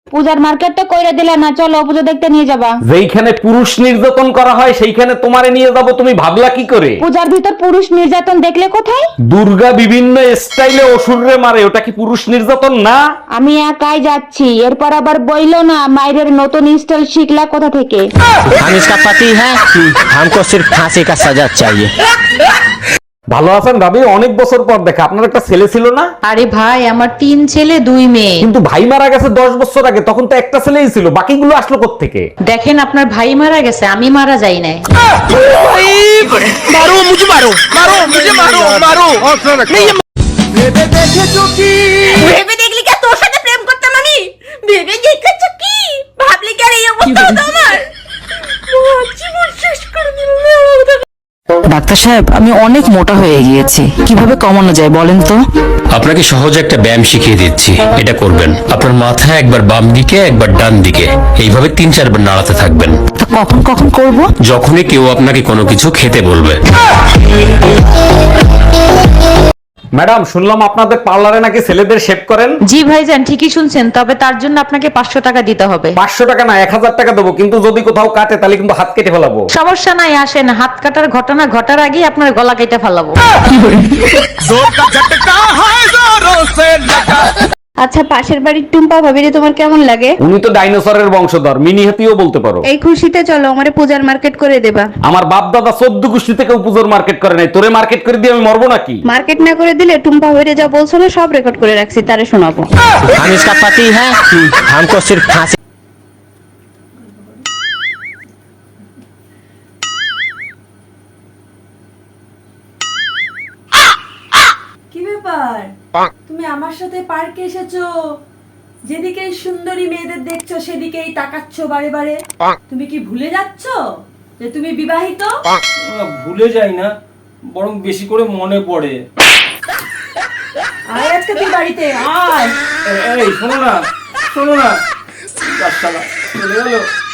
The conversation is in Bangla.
পূজার মার্কেটটা কইরা দিলা না, চলো পুজো দেখতে নিয়ে যাবা। যেইখানে পুরুষ নির্যাতন করা হয় সেইখানে তোমারে নিয়ে যাব, তুমি ভাবলা কি করে? পূজার ভিতর পুরুষ নির্যাতন দেখলে কোথায়? দুর্গা বিভিন্ন স্টাইলে অসুররে মারে, ওটা কি পুরুষ নির্যাতন না? আমি একাই যাচ্ছি, এরপর আবার বইলো না মায়ের নতুন স্টাইল শিখলা কোথা থেকে। हम इसका पति है, हमको सिर्फ फांसी का सजा चाहिए। ভালো আছেন ভাবি? অনেক বছর পর দেখা। আপনার একটা ছেলে ছিল না? আরে ভাই, আমার 3 ছেলে 2 মেয়ে। কিন্তু ভাই মারা গেছে 10 বছর আগে, তখন তো একটা ছেলেই ছিল, বাকিগুলো আসলো কোত্থেকে? দেখেন, আপনার ভাই মারা গেছে, আমি মারা যাই নাই। ভেবে দেখলি কি তোর সাথে প্রেম করতাম আমি? ভেবে দেখেছ কি? ভাবলি কি আর এই অবস্থা হতো আমার? জীবন শেষ করে দিল। ডাক্তার সাহেব, আমি অনেক মোটা হয়ে গিয়েছি, কিভাবে কমানো যায় বলেন তো? আপনাকে সহজে একটা ব্যায়াম শিখিয়ে দিচ্ছি, এটা করবেন। আপনার মাথা একবার বাম দিকে একবার ডান দিকে এইভাবে 3-4 বার নাড়াতে থাকবেন। তা কখন কখন করব? যখনই কেউ আপনাকে কোনো কিছু খেতে বলবে। ম্যাডাম, শুনলাম আপনাদের পার্লারে নাকি ছেলেদের শেভ করেন। জি ভাইজান, ঠিকই শুনছেন, তবে তার জন্য আপনাকে 500 টাকা দিতে হবে। 500 টাকা না, 1000 টাকা দেবো, কিন্তু যদি কোথাও কাটে তাহলে কিন্তু হাত কেটে ফেলাবো। সমস্যা নাই, আসেন। হাত কাটার ঘটনা ঘটার আগেই আপনার গলা কেটে ফেলাবো। আচ্ছা, পাশের বাড়ির টুম্পা ভাবিরে তোমার কেমন লাগে? উনি তো ডাইনোসরের বংশধর, মিনি হাতিও বলতে পারো। এই খুশিতে চলো আমারে পূজার মার্কেট করে দেবা। আমার বাপ দাদা 14 গোষ্ঠী থেকে পুজোর মার্কেট করে নাই, তোরে মার্কেট করে দিয়ে আমি মরবো নাকি? মার্কেট না করে দিলে টুম্পা ভাবিরে যা বলছো না সব রেকর্ড করে রাখছি, তারে শোনাবো। हम इसका पति है, हमको सिर्फ फांसी। কি ব্যাপার? তুমি আমার সাথে পার্কে এসেছো, যেদিকেই সুন্দরী মেয়েদের দেখছো সেদিকেই তাকাচ্ছ বারে বারে। তুমি কি ভুলে যাচ্ছো যে তুমি বিবাহিত? ভুলে যাই না, বরং বেশি করে মনে পড়ে। আয় আজকে তুই বাড়িতে আয়। এই শোনো না, শোনো না, চলে গেলো।